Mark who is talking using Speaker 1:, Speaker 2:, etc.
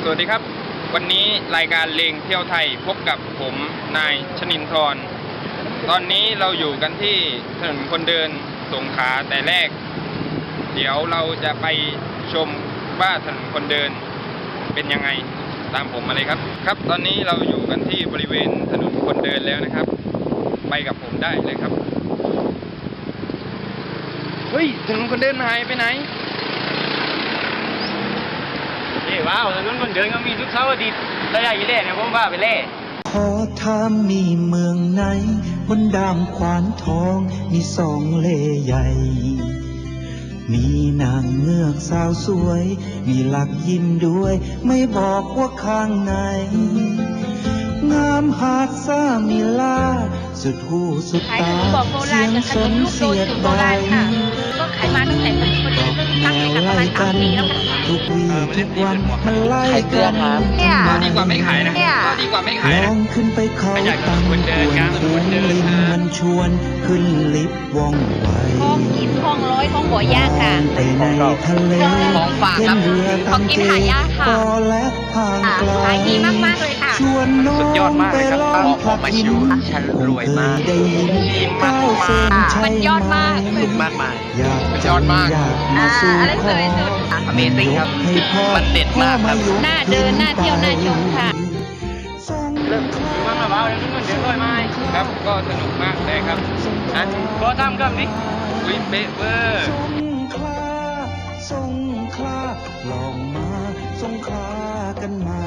Speaker 1: วัสดีครับวันนี้รายการเลงเที่ยวไทยพบกับผมนายชนินทร์ตอนนี้เราอยู่กันที่ถนนคนเดินสงขลาแต่แรกเดี๋ยวเราจะไปชมว่าถนนคนเดินเป็นยังไงตามผมมาเลยครับตอนนี้เราอยู่กันที่บริเวณถนนคนเดินแล้วนะครับไปกับผมได้เลยครับเฮ้ยถนนคนเดินหายไปไหน
Speaker 2: ว้าวถนนคนเดินก็มีทุกเสาร์อาทิตย์ระยะยี่เล่เนี่ยผมว่าไปเล่
Speaker 3: ขอถามมีเมืองไหนบนดามขวานทองมีสองเล่ใหญ่มีนางเงือกสาวสวยมีหลักยิ้มด้วยไม่บอกว่าข้างในงามหาดซ่ามีลาสุดหูสุดตาเสียงสนเสียดใบ
Speaker 4: ก็ขายมาตั้งแต่เป็นคนตั้งแต่ประมาณ3 ปีแล้วค่ะ
Speaker 3: ทุกวี่ทุกวันมันไล่กัน
Speaker 1: ก็ดีกว่าไม่ขายนะก็ดีกว่าไม่ขายนะ
Speaker 3: ลองขึ้นไปเขาตั้งควรคูนลิงมันชวนขึ้นลิฟต์ว่องไว
Speaker 4: ห้องกินห้องร้อยห้องบ่อยากค่ะ
Speaker 3: ไปในทะเล
Speaker 4: ของฝากครับของกินหายากค่ะ
Speaker 3: และทางไกล
Speaker 4: ขายดีมากๆเลยค่ะ
Speaker 3: ชวนน้องไปลองพักหิน
Speaker 1: ฉันรวยมาก
Speaker 3: ได้ยินก้าวเส้นชัย
Speaker 4: มันยอดมาก
Speaker 1: มากมาย
Speaker 3: มัน
Speaker 1: ยอดมาก
Speaker 4: อะไรสวยสุด
Speaker 1: Amazing ครับมันเด็ดมากครับ
Speaker 4: หน้าเดินหน้าเที่ยวหน้าชมค่ะ
Speaker 2: เริ่มว่างแล้วว้าวถนนคนเดินด้วยไหม
Speaker 1: ครับก็สนุกมากเลยครับ
Speaker 2: นะก็ทำก็นี่
Speaker 1: วิเป๊ะเวอร์
Speaker 3: สงขลาลองมาสงขลากันมา